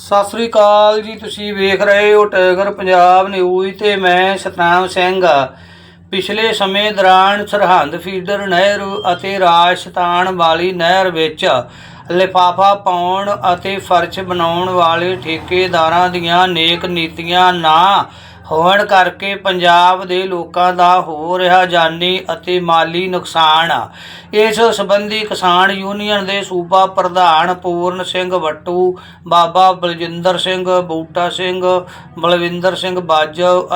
ਸਤਿ ਸ੍ਰੀ ਅਕਾਲ ਜੀ। ਤੁਸੀਂ ਵੇਖ ਰਹੇ ਹੋ ਟਾਈਗਰ ਪੰਜਾਬ ਨਿਊਜ਼ ਤੇ ਮੈਂ ਸਤਨਾਮ ਸਿੰਘ। ਪਿਛਲੇ ਸਮੇਂ ਦੌਰਾਨ ਸਰਹੰਦ ਫੀਡਰ ਨਹਿਰ ਅਤੇ ਰਾਜਸਥਾਨ ਵਾਲੀ ਨਹਿਰ ਵਿੱਚ ਲਿਫਾਫਾ ਪਾਉਣ ਅਤੇ ਫਰਸ਼ ਬਣਾਉਣ ਵਾਲੇ ਠੇਕੇਦਾਰਾਂ ਦੀਆਂ ਨੇਕ ਨੀਤੀਆਂ ਨਾ ਹੋਣ ਕਰਕੇ ਪੰਜਾਬ ਦੇ ਲੋਕਾਂ ਦਾ ਹੋ ਰਿਹਾ ਜਾਨੀ ਅਤੇ ਮਾਲੀ ਨੁਕਸਾਨ। ਇਸ ਸੰਬੰਧੀ ਕਿਸਾਨ ਯੂਨੀਅਨ ਦੇ ਸੂਬਾ ਪ੍ਰਧਾਨ ਪੂਰਨ ਸਿੰਘ ਵੱਟੂ, ਬਾਬਾ ਬਲਜਿੰਦਰ ਸਿੰਘ, ਬੂਟਾ ਸਿੰਘ, ਬਲਵਿੰਦਰ ਸਿੰਘ ਬਾਜਵ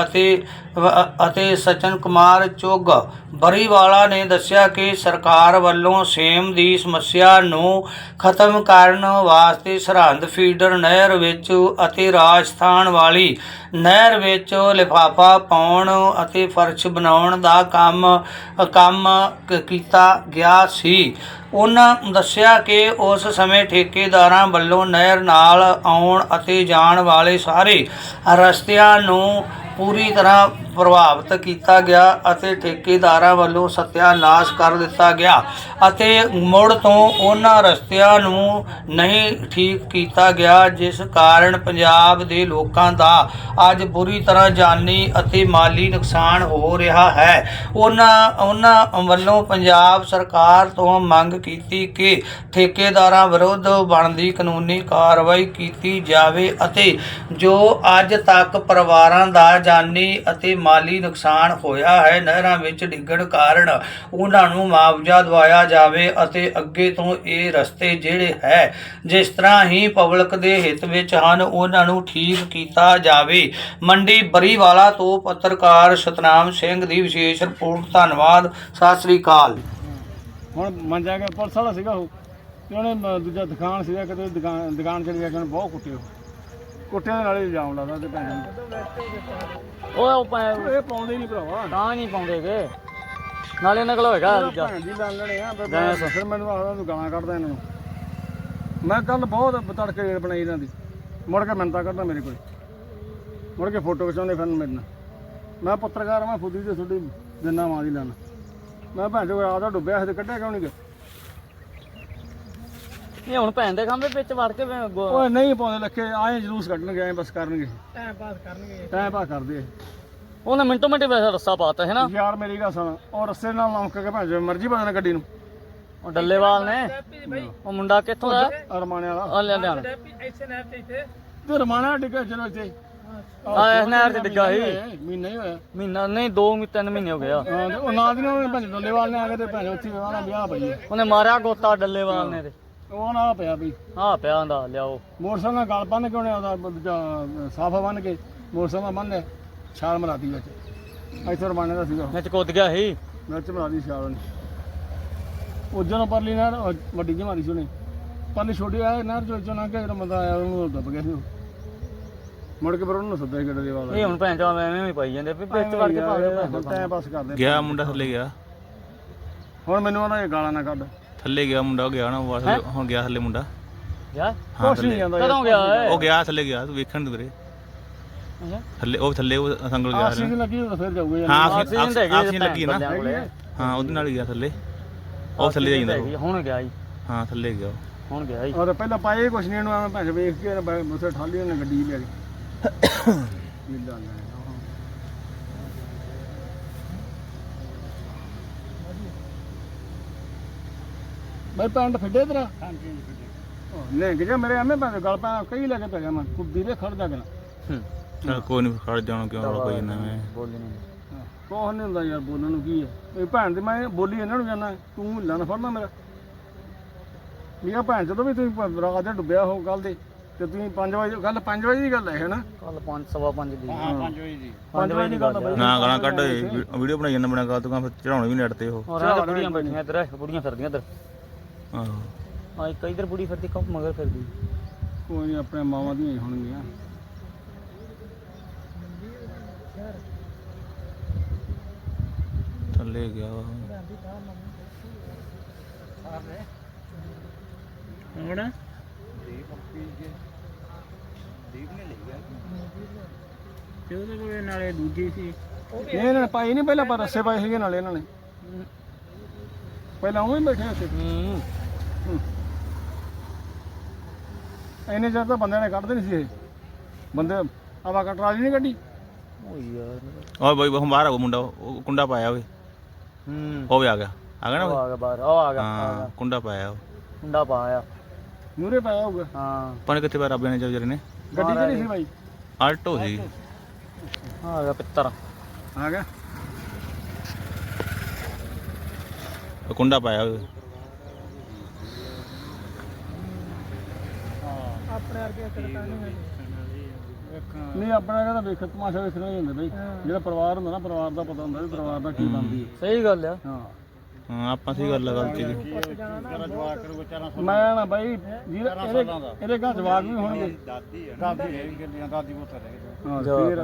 ਅਤੇ ਸਚਨ ਕੁਮਾਰ ਚੁੱਗ ਬਰੀਵਾਲਾ ਨੇ ਦੱਸਿਆ ਕਿ ਸਰਕਾਰ ਵੱਲੋਂ ਸੇਮ ਦੀ ਸਮੱਸਿਆ ਨੂੰ ਖਤਮ ਕਰਨ ਵਾਸਤੇ ਸਰਹੰਦ ਫੀਡਰ ਨਹਿਰ ਵਿੱਚ ਅਤੇ ਰਾਜਸਥਾਨ ਵਾਲੀ ਨਹਿਰ ਵਿੱਚ ਲਿਫਾਫਾ ਪਾਉਣ ਅਤੇ ਫਰਸ਼ ਬਣਾਉਣ ਦਾ ਕੰਮ ਕੀਤਾ ਗਿਆ ਸੀ। ਉਹਨਾਂ ਦੱਸਿਆ ਕਿ ਉਸ ਸਮੇਂ ਠੇਕੇਦਾਰਾਂ ਵੱਲੋਂ ਨਹਿਰ ਨਾਲ ਆਉਣ ਅਤੇ ਜਾਣ ਵਾਲੇ ਸਾਰੇ ਰਸਤਿਆਂ ਨੂੰ ਪੂਰੀ ਤਰ੍ਹਾਂ ਪ੍ਰਭਾਵਿਤ ਕੀਤਾ ਗਿਆ ਅਤੇ ਠੇਕੇਦਾਰਾਂ ਵੱਲੋਂ ਸਤਿਆਨਾਸ਼ ਕਰ ਦਿੱਤਾ ਗਿਆ ਅਤੇ ਮੁੜ ਤੋਂ ਉਹਨਾਂ ਰਸਤਿਆਂ ਨੂੰ ਨਹੀਂ ਠੀਕ ਕੀਤਾ ਗਿਆ, ਜਿਸ ਕਾਰਨ ਪੰਜਾਬ ਦੇ ਲੋਕਾਂ ਦਾ ਅੱਜ ਬੁਰੀ ਤਰ੍ਹਾਂ ਜਾਨੀ ਅਤੇ ਮਾਲੀ ਨੁਕਸਾਨ ਹੋ ਰਿਹਾ ਹੈ। ਉਹਨਾਂ ਵੱਲੋਂ ਪੰਜਾਬ ਸਰਕਾਰ ਤੋਂ ਮੰਗ ਕੀਤੀ ਕਿ ਠੇਕੇਦਾਰਾਂ ਵਿਰੁੱਧ ਬਣਦੀ ਕਾਨੂੰਨੀ ਕਾਰਵਾਈ ਕੀਤੀ ਜਾਵੇ ਅਤੇ ਜੋ ਅੱਜ ਤੱਕ ਪਰਿਵਾਰਾਂ ਦਾ ਜਾਨੀ ਅਤੇ ਮਾਲੀ ਨੁਕਸਾਨ ਹੋਇਆ ਹੈ, ਨਹਿਰਾਂ ਵਿੱਚ ਡਿੱਗਣ ਕਾਰਨ ਉਹਨਾਂ ਨੂੰ ਮੁਆਵਜ਼ਾ ਦਿਵਾਇਆ ਜਾਵੇ ਅਤੇ ਅੱਗੇ ਤੋਂ ਇਹ ਰਸਤੇ ਜਿਹੜੇ ਹੈ ਜਿਸ ਤਰ੍ਹਾਂ ਹੀ ਪਬਲਿਕ ਦੇ ਹਿੱਤ ਵਿੱਚ ਹਨ ਉਹਨਾਂ ਨੂੰ ਠੀਕ ਕੀਤਾ ਜਾਵੇ। ਮੰਡੀ ਬਰੀਵਾਲਾ ਤੋਂ ਪੱਤਰਕਾਰ ਸਤਨਾਮ ਸਿੰਘ ਦੀ ਵਿਸ਼ੇਸ਼ ਰਿਪੋਰਟ। ਧੰਨਵਾਦ। ਸਤਿ ਸ੍ਰੀ ਅਕਾਲ। ਹੁਣ ਮੰਜਾ ਗਿਆ ਪੁਲਿਸ ਵਾਲਾ ਸੀਗਾ ਉਹ ਤੇ ਉਹਨੇ ਦੂਜਾ ਦੁਕਾਨ ਸੀਗਾ ਕਿਤੇ ਦੁਕਾਨ ਚਲੀ ਗਿਆ ਕਿ ਬਹੁਤ ਕੁੱਟਿਆਂ ਦੇ ਨਾਲੇ ਇਲਜ਼ਾਮ ਲਾਦਾ ਤੇ ਭੈਣ ਇਹ ਪਾਉਂਦੇ ਨਹੀਂ ਭਰਾਵਾ ਤਾਂ ਨਹੀਂ ਪਾਉਂਦੇਗੇ ਨਾਲੇ ਨਕਲ ਹੋਏਗਾ ਦੂਜਾ ਭੈਣ ਦੀ ਲੈ ਲੈਣੇ ਆ ਫਿਰ ਮੈਨੂੰ ਆਖਦਾ ਤੂੰ ਗਾਲਾਂ ਕੱਢਦਾ ਇਹਨਾਂ ਨੂੰ। ਮੈਂ ਕੱਲ ਬਹੁਤ ਤੜਕੇ ਰੇਲ ਬਣਾਈ ਇਹਨਾਂ ਦੀ, ਮੁੜ ਕੇ ਮਿੰਨਤਾਂ ਕਰਦਾ ਮੇਰੇ ਕੋਲ, ਮੁੜ ਕੇ ਫੋਟੋ ਖਿਚਾਉਂਦੇ ਫਿਰ ਮੇਰੇ ਨਾਲ। ਮੈਂ ਪੱਤਰਕਾਰ ਮੈਂ ਫੁੱਦੀ ਤੇ ਤੁਹਾਡੀ ਜਿੰਨਾ ਮਾਂ ਦੀ ਲੈਣਾ ਮੈਂ ਭੈਣ ਜੋ ਆਦਾ ਡੁੱਬਿਆ ਤੇ ਕੱਢਿਆ ਕਿਉਂ ਨਹੀਂ ਗਿਆ। ਇਹ ਹੁਣ ਭੈਣ ਦੇ ਖੰਭੇ ਵਿੱਚ ਵੜ ਕੇ ਓਏ ਨਹੀਂ ਪਾਉਂਦੇ ਲੱਖੇ ਆਏ ਜਲੂਸ ਕੱਢਣਗੇ ਐ ਬਸ ਕਰਨਗੇ ਟਾਈਮ ਪਾਸ ਕਰਦੇ ਉਹਨੇ ਮਿੰਟੋ ਮਿੰਟ ਵੈਸੇ ਰੱਸਾ ਪਾਤਾ ਹੈ ਨਾ ਯਾਰ। ਮੇਰੀ ਗੱਲ ਸੁਣ, ਉਹ ਰੱਸੇ ਨਾਲ ਲਮਕ ਕੇ ਭੈਣ ਜੋ ਮਰਜ਼ੀ ਬਦਲਣ ਗੱਡੀ ਨੂੰ। ਉਹ ਡੱਲੇਵਾਲ ਨੇ ਉਹ ਮੁੰਡਾ ਕਿੱਥੋਂ ਦਾ ਰਮਾਣੇ ਵਾਲਾ ਆ ਲਿਆਣਾ ਤੇ ਰਮਾਣਾ ਡਿੱਗਾ ਚਲੋ ਇੱਥੇ ਆ ਇਸ ਨਹਿਰ ਤੇ ਡਿੱਗਾ ਸੀ ਮਹੀਨਾ ਹੀ ਹੋਇਆ। ਮਹੀਨਾ ਨਹੀਂ 2-3 ਮਹੀਨੇ ਹੋ ਗਏ ਆ। ਹਾਂ ਉਹ ਨਾਲ ਦੀ ਨਾਲ ਭੈਣ ਡੱਲੇਵਾਲ ਨੇ ਆ ਕੇ ਤੇ ਭੈਣ ਉੱਥੇ ਵਿਆਹ ਪਈ ਉਹਨੇ ਮਾਰਿਆ ਗੋਤਾ ਡੱਲੇਵਾਲ ਨੇ ਤੇ ਉਹ ਨਾਲ ਪਿਆ ਬਈ ਹਾਂ ਪਿਆ ਹੁੰਦਾ ਲਿਆਓ ਮੋਟਰਸਾਈਕਲ ਨਾਲ ਗਲ ਬੰਨ ਕੇ ਉਹਨੇ ਉਹਦਾ ਸਾਫਾ ਬੰਨ ਕੇ ਮੋਟਰਸਾਈਕਲ ਬੰਨ੍ਹ ਛਾਲ ਮਰਾਤੀ ਵਿੱਚ ਇੱਥੇ ਰਮਾਣੇ ਦਾ ਸੀਗਾ ਵਿੱਚ ਕੁੱਦ ਗਿਆ ਸੀ ਮਿਰਚ ਮਰਾਦੀ ਛਾਲ ਉਹਨੇ ਉਦੋਂ ਪਰਲੀ ਨਹਿਰ ਵੱਡੀ ਜਿਹੀ ਮਾਰੀ ਸੀ ਉਹਨੇ ਪਰਲੀ ਛੋਟੀ ਆ ਨਹਿਰ ਚੋਂ ਲੰਘ ਕੇ ਜਦੋਂ ਬੰਦਾ ਆਇਆ ਉਹਨੂੰ ਦੱਬ ਗਿਆ ਸੀ ਉਹ। ਮੁੜ ਕੇ ਫਿਰ ਉਹਨੂੰ ਸੱਦਿਆ ਗੱਡੇ ਦੇ ਵਾਲਾ ਇਹ ਹੁਣ ਭੈਣ ਚੋਂ ਐਵੇਂ ਹੀ ਪਾਈ ਜਾਂਦੇ ਵਿੱਚ ਵੜ ਕੇ ਭਾਵੇਂ ਟਾਈਮ ਪਾਸ ਕਰਦੇ ਗਿਆ ਮੁੰਡਾ ਥੱਲੇ ਗਿਆ। ਹੁਣ ਮੈਨੂੰ ਉਹਨਾਂ ਇਹ ਗਾਲਾਂ ਨਾ ਕੱਢ। ਥੱਲੇ ਗਿਆ ਮੁੰਡਾ, ਉਹ ਗਿਆ ਨਾ ਹੁਣ ਗਿਆ ਥੱਲੇ ਮੁੰਡਾ। ਗਿਆ ਕੁਛ ਨਹੀਂ ਜਾਂਦਾ ਕਦੋਂ ਗਿਆ ਉਹ ਗਿਆ ਥੱਲੇ ਗਿਆ, ਤੂੰ ਵੇਖਣ ਨੂੰ ਵੀਰੇ ਥੱਲੇ ਉਹ ਸੰਗਲ ਗਿਆ। ਆਕਸੀਜਨ ਲੱਗੀ ਤਾਂ ਫਿਰ ਜਾਊਗਾ ਯਾਰ। ਹਾਂ ਆਕਸੀਜਨ ਲੱਗੀ ਨਾ ਹਾਂ ਉਹਦੇ ਨਾਲ ਹੀ ਗਿਆ ਥੱਲੇ। ਉਹ ਥੱਲੇ ਜਾਂਦਾ ਹੁਣ ਗਿਆ ਜੀ। ਹਾਂ ਥੱਲੇ ਗਿਆ ਹੁਣ ਗਿਆ ਜੀ। ਔਰ ਪਹਿਲਾਂ ਪਾਏ ਕੁਛ ਨਹੀਂ ਇਹਨੂੰ ਐਵੇਂ ਭੈਣ ਵੇਖ ਕੇ ਉਸੇ ਠਾਲੀ ਉਹਨੇ ਗੱਡੀ ਲੈ ਗਈ ਮਿਲਦਾ ਨਾ ਬਈ ਪੈਂਟ ਫਿੱਡੇ ਤੇਰਾ। ਹਾਂਜੀ ਲੈ ਕੇ ਜਾ ਮੇਰੇ ਐਵੇਂ ਭੈਣ ਗਲ ਪੈ ਕਈ ਲੈ ਕੇ ਪੈ ਗਿਆ ਮੈਂ ਕੁੱਦੀ ਦੇ ਖੜ ਜਾ ਕੇ ਚਲ ਕੋਈ ਨਹੀਂ ਖੜ ਜਾਣਾ ਕਿਉਂ ਕੋਈ ਨਾ ਮੈਂ ਬੋਲੀ ਨਹੀਂ ਕੋਹ ਨਹੀਂ ਹੁੰਦਾ ਯਾਰ ਬੋਲਣ ਨੂੰ ਕੀ ਹੈ। ਇਹ ਭੈਣ ਦੀ ਮੈਂ ਬੋਲੀ ਇਹਨਾਂ ਨੂੰ ਜਾਣਾ ਤੂੰ ਹਿੱਲਾ ਨਾ ਫੜਨਾ ਮੇਰਾ ਮੀਆਂ ਭੈਣ ਜਦੋਂ ਵੀ ਤੁਸੀਂ ਰਾਤ ਦੇ ਡੁੱਬਿਆ ਹੋ ਕੱਲ ਦੇ ਤੇ ਤੁਸੀਂ 5 ਵਜੇ ਗੱਲ 5 ਵਜੇ ਦੀ ਗੱਲ ਹੈ ਨਾ ਕੱਲ 5:15 ਦੀ ਹਾਂ 5 ਵਜੇ ਦੀ 5 ਵਜੇ ਦੀ ਗੱਲ ਨਾ ਗਾਲਾਂ ਕੱਢ ਵੀਡੀਓ ਬਣਾਈ ਜਾਂਦਾ ਬਣਾ ਗਾ ਤੂੰ ਫਿਰ ਚੜਾਉਣੀ ਵੀ ਨੈਟ ਤੇ ਉਹ ਔਰ ਬੁੜੀਆਂ ਬੈਠੀਆਂ ਇੱਧਰ ਬੁੜੀਆਂ ਫਿਰਦੀਆਂ ਇੱਧਰ ਆਹੋ ਹਾਂ ਇੱਕ ਇੱਧਰ ਬੁੜੀ ਫਿਰਦੀ ਕੱਪ ਮਗਰ ਫਿਰਦੀ। ਕੋਈ ਨਹੀਂ ਆਪਣੇ ਮਾਵਾਂ ਦੀਆਂ ਹੀ ਹੋਣਗੀਆਂ। ਥੱਲੇ ਗਿਆ ਹੁਣ ਤੇ ਉਹਦੇ ਕੋਲ ਨਾਲੇ ਦੂਜੀ ਸੀ ਇਹਨਾਂ ਨੇ ਪਾਈ ਨਹੀਂ ਪਹਿਲਾਂ ਪਰ ਰੱਸੇ ਪਾਏ ਸੀਗੇ ਨਾਲੇ ਇਹਨਾਂ ਨੇ ਪਹਿਲਾਂ ਉਹ ਹੀ ਬੈਠੇ ਉੱਥੇ। ਇੰਨੇ ਚਿਰ ਤਾਂ ਬੰਦਿਆਂ ਨੇ ਕੱਢਦੇ ਨਹੀਂ ਸੀ ਇਹ ਬੰਦੇ ਆਵਾ ਕਟਰਾਲੀ ਨਹੀਂ ਕੱਢੀ ਓ ਯਾਰ ਉਹ ਬਈ ਹੁਣ ਬਾਹਰ ਆ ਉਹ ਮੁੰਡਾ ਉਹ ਕੁੰਡਾ ਪਾਇਆ ਓਏ ਉਹ ਵੀ ਆ ਗਿਆ ਨਾ ਉਹ ਓਏ? ਆ ਗਿਆ ਬਾਹਰ ਉਹ ਆ ਗਿਆ ਹਾਂ ਕੁੰਡਾ ਪਾਇਆ ਉਹ ਮੁੰਡਾ ਪਾਇਆ ਮੂਰੇ ਪਾਇਆ ਹੋਊਗਾ ਹਾਂ ਪਾਣੀ ਕਿੱਥੇ ਪਾਇਆ ਰੱਬ ਨੇ ਵਿਚਾਰੇ ਨੇ ਗੱਡੀ ਕਿਹੜੀ ਸੀ ਬਾਈ ਆਲਟੋ ਸੀ ਆ ਗਿਆ ਪਿੱਤਰ ਆ ਗਿਆ ਉਹ ਕੁੰਡਾ ਪਾਇਆ ਓਏ ਨਹੀਂ ਆਪਣਾ ਕਹਿੰਦਾ ਵੇਖ ਤਮਾਸ਼ਾ ਵੇਖਣਾ ਹੀ ਹੁੰਦਾ ਬਈ ਜਿਹੜਾ ਪਰਿਵਾਰ ਹੁੰਦਾ ਨਾ ਪਰਿਵਾਰ ਦਾ ਪਤਾ ਹੁੰਦਾ ਵੀ ਪਰਿਵਾਰ ਦਾ ਕੀ ਬਣਦੀ ਹੈ ਸਹੀ ਗੱਲ ਆ ਹਾਂ ਹਾਂ ਆਪਾਂ ਸਹੀ ਗੱਲ ਆ ਗਲਤੀ ਦੀ ਮੈਂ ਨਾ ਬਾਈ ਇਹਦੇ ਘਰ ਜਵਾਕ ਵੀ ਹੋਣਗੇ ਹਾਂ ਫੇਰ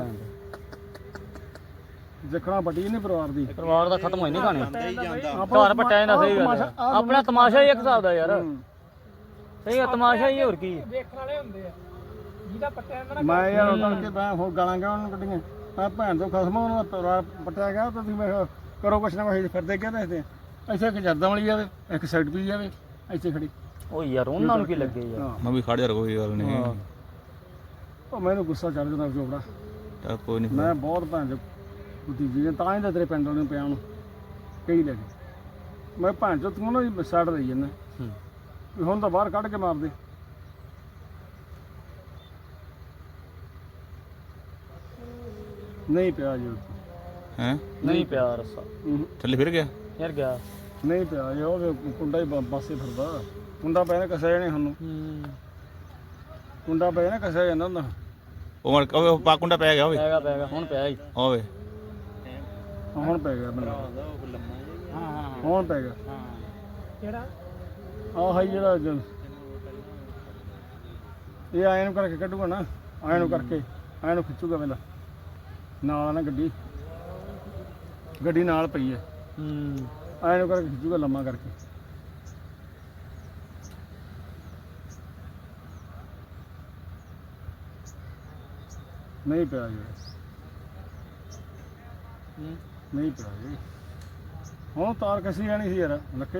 ਦੇਖਣਾ ਵੱਡੀ ਨਹੀਂ ਪਰਿਵਾਰ ਦੀ ਪਰਿਵਾਰ ਦਾ ਖਤਮ ਹੋਈ ਨਹੀਂ ਕਹਾਣੀ ਘਰ ਪਟਿਆ ਜਾਂਦਾ ਸਹੀ ਗੱਲ ਆ। ਆਪਣਾ ਤਮਾਸ਼ਾ ਹੀ ਇੱਕ ਹਿਸਾਬ ਦਾ ਯਾਰ ਸਹੀ ਆ ਤਮਾਸ਼ਾ ਹੀ ਹੋਰ ਕੀ ਦੇਖਣ ਵਾਲੇ ਹੁੰਦੇ ਆ ਜਿਹਦਾ ਪਟਿਆ ਜਾਂਦਾ ਮੈਂ ਯਾਰ ਉਹਨਾਂ ਕੇ ਮੈਂ ਹੋਰ ਗਾਲਾਂ ਗਿਆ ਉਹਨਾਂ ਕੱਢੀਆਂ ਮੈਂ ਭੈਣ ਤੋਂ ਖਸਮ ਉਹਨਾਂ ਦਾ ਪਰਿਵਾਰ ਪਟਿਆ ਗਿਆ ਤਾਂ ਤੁਸੀਂ ਮੈਂ ਕਿਹਾ ਕਰੋ ਕੁਛ ਨਾ ਕੁਛ ਫਿਰਦੇ ਕਿਆ ਦੱਸਦੇ ਇੱਥੇ ਇੱਕ ਜਰਦਾਂ ਵਾਲੀ ਜਾਵੇ ਇੱਕ ਸਾਈਡ ਪੀ ਜਾਵੇ ਇੱਥੇ ਖੜੀ ਓ ਯਾਰ ਉਹਨਾਂ ਨੂੰ ਕੀ ਲੱਗੇ ਯਾਰ ਹਾਂ ਮੈਂ ਵੀ ਖੜ ਜਾ ਕੋਈ ਗੱਲ ਨਹੀਂ ਉਹ ਮੈਨੂੰ ਗੁੱਸਾ ਚੜ ਜਾਂਦਾ ਚੋਪੜਾ ਤਾਂ ਕੋਈ ਨਹੀਂ ਮੈਂ ਬਹੁਤ ਭੈਣ ਚੋ ਭਤੀਜੀ ਨੇ ਤਾਂ ਹੀ ਤਾਂ ਤੇਰੇ ਪਿੰਡ ਵਾਲੇ ਨੂੰ ਪਿਆ ਨੂੰ ਕਈ ਲੈ ਗਏ ਮੈਂ ਭੈਣ ਚੋ ਤੂੰ ਨਾ ਸਾਈਡ ਰਹੀ ਜਾਂਦਾ ਵੀ ਹੁਣ ਤਾਂ ਬਾਹਰ ਕੱਢ ਕੇ ਮਾਰ ਦੇ ਨਹੀਂ ਪਿਆ ਜੀ ਹੈ ਨਹੀਂ ਪਿਆ ਰਸਾ ਥੱਲੇ ਫਿਰ ਗਿਆ ਯਾਰ ਗਿਆ ਨਹੀਂ ਪਿਆ ਜੀ ਉਹ ਕੁੰਡਾ ਹੀ ਬਾਸੇ ਫਿਰਦਾ ਕੁੰਡਾ ਪੈ ਨਾ ਕਸਿਆ ਜਾਣੇ ਸਾਨੂੰ ਕੁੰਡਾ ਪੈ ਨਾ ਕਸਿਆ ਜਾਂਦਾ ਹੁੰਦਾ ਉਹ ਮੜ ਉਹ ਪਾ ਕੁੰਡਾ ਪੈ ਗਿਆ ਓਏ ਪੈਗਾ ਹੁਣ ਪਿਆ ਹੀ ਓਏ ਹੁਣ ਪੈ ਗਿਆ ਮੈਨੂੰ ਹੁਣ ਪੈ ਗਿਆ ਕਿਹੜਾ ਆਹ ਹਾਈ ਜਿਹੜਾ ਇਹ ਆਏ ਨੂੰ ਕਰਕੇ ਕੱਢੂਗਾ ਨਾ ਆਏ ਨੂੰ ਕਰਕੇ ਆਏ ਨੂੰ ਖਿੱਚੂਗਾ ਪਹਿਲਾਂ ਨਾਲ ਆ ਨਾ ਗੱਡੀ ਨਾਲ ਪਈ ਹੈ ਆਏ ਨੂੰ ਕਰਕੇ ਖਿੱਚੂਗਾ ਲੰਮਾ ਕਰਕੇ ਨਹੀਂ ਪਿਆ ਜੀ ਨਹੀਂ ਪਿਆ ਜੀ ਹੁਣ ਤਾਰ ਕਸੀ ਜਾਣੀ ਸੀ ਯਾਰ ਲੱਕੇ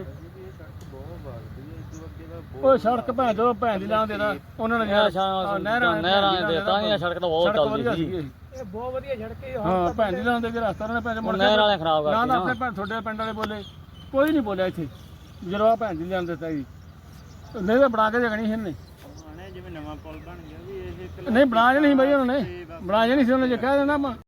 ਉਹ ਸੜਕ ਭੈਣ ਜਦੋਂ ਭੈਣ ਦੀ ਲਾਂ ਦੇਦਾ ਉਹਨਾਂ ਨੇ ਨਹਿਰਾਂ ਦੇ ਤਾਂ ਹੀ ਸੜਕ ਤਾਂ ਬਹੁਤ ਚੱਲਦੀ ਸੀ ਇਹ ਬਹੁਤ ਵਧੀਆ ਸੜਕ ਹਾਂ ਭੈਣ ਦੀ ਲਾਂ ਦੇ ਰਸਤਾ ਉਹਨਾਂ ਨੇ ਭੈਣ ਮੁੜ ਨਹਿਰ ਵਾਲੇ ਖਰਾਬ ਨਾ ਕਰਤੀ ਨਾ ਆਪਣੇ ਭੈਣ ਤੁਹਾਡੇ ਪਿੰਡ ਵਾਲੇ ਬੋਲੇ ਕੋਈ ਨਹੀਂ ਬੋਲਿਆ ਇੱਥੇ ਜਦੋਂ ਆ ਭੈਣ ਦੀ ਲਾਂ ਦਿੱਤਾ ਜੀ ਨਹੀਂ ਤਾਂ ਬਣਾ ਕੇ ਜਗਣੀ ਸੀ ਇਹਨੇ ਜਿਵੇਂ ਨਵਾਂ ਪੁਲ ਬਣ ਗਿਆ ਵੀ ਇਹ ਨਹੀਂ ਬਣਾ ਜਣੀ ਸੀ ਬਾਈ ਉਹਨਾਂ ਨੇ ਬਣਾ ਜਣੀ ਸੀ ਉਹਨੇ ਜੇ ਕਹਿ ਦੇਣਾ ਆਪਾਂ